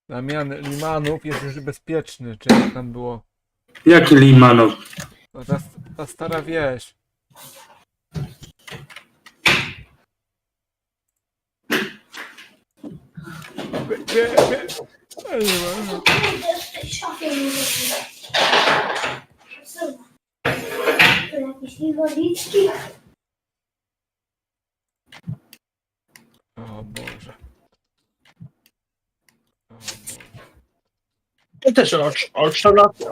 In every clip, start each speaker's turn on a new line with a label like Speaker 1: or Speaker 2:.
Speaker 1: Damian Limanów jest już bezpieczny, czy jak tam było?
Speaker 2: Jaki Limanów?
Speaker 1: No ta stara wieś.
Speaker 3: W tej szafie nie wiem. To jakieś inwalidzki.
Speaker 1: O Boże.
Speaker 4: To też od 14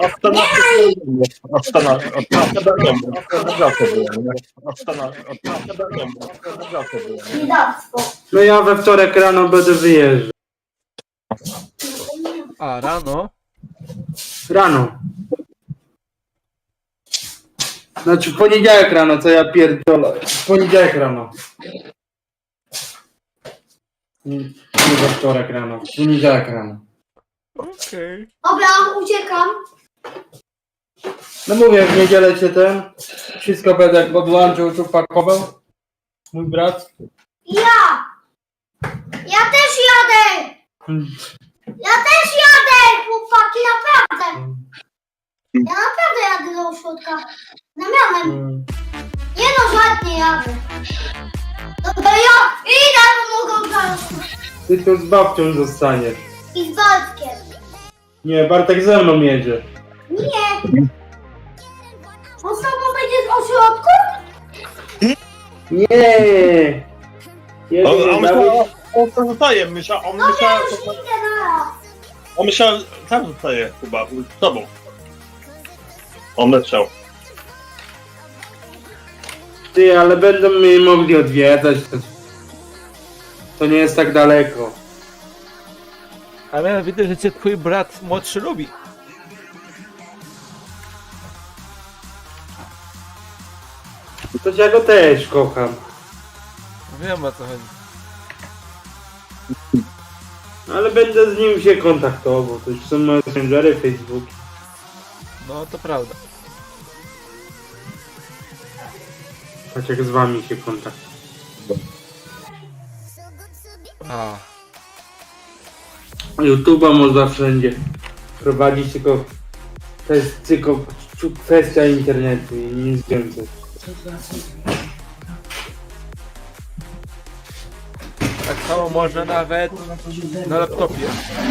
Speaker 3: Biedactwo.
Speaker 2: No ja we wtorek rano będę wyjeżdżał.
Speaker 1: A, rano?
Speaker 2: Rano. Znaczy w poniedziałek rano, co ja pierdolę. W poniedziałek rano. Nie we wtorek rano, w poniedziałek rano.
Speaker 1: Okej.
Speaker 3: Dobra, uciekam.
Speaker 2: No mówię, w niedzielę cię wszystko będę podłączył, tu pakował. Mój brat.
Speaker 3: Ja! Ja też jadę! Ja też jadę, chłopaki, naprawdę! Ja naprawdę jadę do ośrodka. Damianem. Nie no, żadnie jadę. Dobra, ja idę, bo mogą zaraz.
Speaker 2: Ty tu z babcią zostaniesz.
Speaker 3: I z Bartkiem.
Speaker 2: Nie, Bartek ze mną jedzie.
Speaker 3: Nie. On z tobą będzie z ośrodku?
Speaker 2: Nie.
Speaker 4: On tam zostaje, on myślał,
Speaker 3: Dobra, już idę naraz.
Speaker 4: tam zostaje chyba, z tobą. On myślał.
Speaker 2: Ty, ale będą mnie mogli odwiedzać. To nie jest tak daleko.
Speaker 1: Ale ja widzę, że cię twój brat młodszy lubi.
Speaker 2: To ja go też kocham.
Speaker 1: Wiem o co chodzi.
Speaker 2: Ale będę z nim się kontaktował. To już są messengery, Facebook.
Speaker 1: No to prawda.
Speaker 2: Choć jak z wami się kontaktuję.
Speaker 1: A.
Speaker 2: YouTube'a można wszędzie prowadzić, tylko to jest tylko kwestia internetu i nic więcej.
Speaker 1: Tak samo można nawet na laptopie.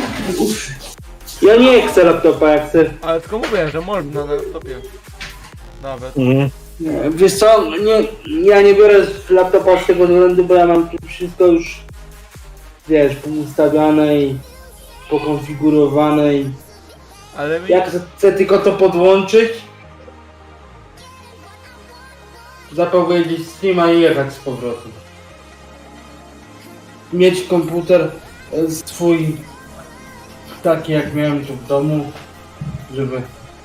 Speaker 2: Ja nie chcę laptopa, ja chcę...
Speaker 1: Ale tylko mówię, że można na laptopie. Nawet.
Speaker 2: Wiesz co, ja nie biorę laptopa z tego względu, bo ja mam tu wszystko już, wiesz, poustawiane i pokonfigurowane i
Speaker 1: Ale mi...
Speaker 2: jak chcę tylko to podłączyć, zapowiedzieć streama i jechać z powrotem. Mieć komputer swój, taki jak miałem tu w domu, żeby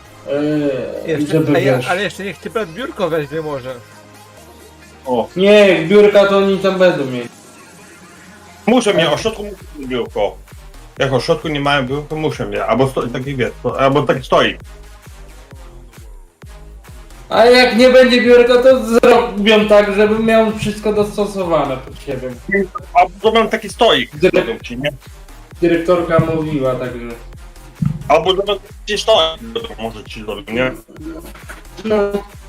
Speaker 2: wiesz.
Speaker 1: Ale jeszcze niech ci brat biurko weźmie może.
Speaker 4: O.
Speaker 2: Nie, biurka to oni tam będą mieć.
Speaker 4: Muszę mieć, o środku muszę mieć biurko. Jak o środku nie mają biurko, muszę mieć. Albo taki wiesz, albo tak stoi.
Speaker 2: A jak nie będzie biurka, to zrobią tak, żebym miał wszystko dostosowane pod siebie.
Speaker 4: Albo to mam taki stoik. Ci, nie?
Speaker 2: Dyrektorka mówiła, także...
Speaker 4: Albo to mam taki stoik, może ci zrobić, nie?
Speaker 2: No,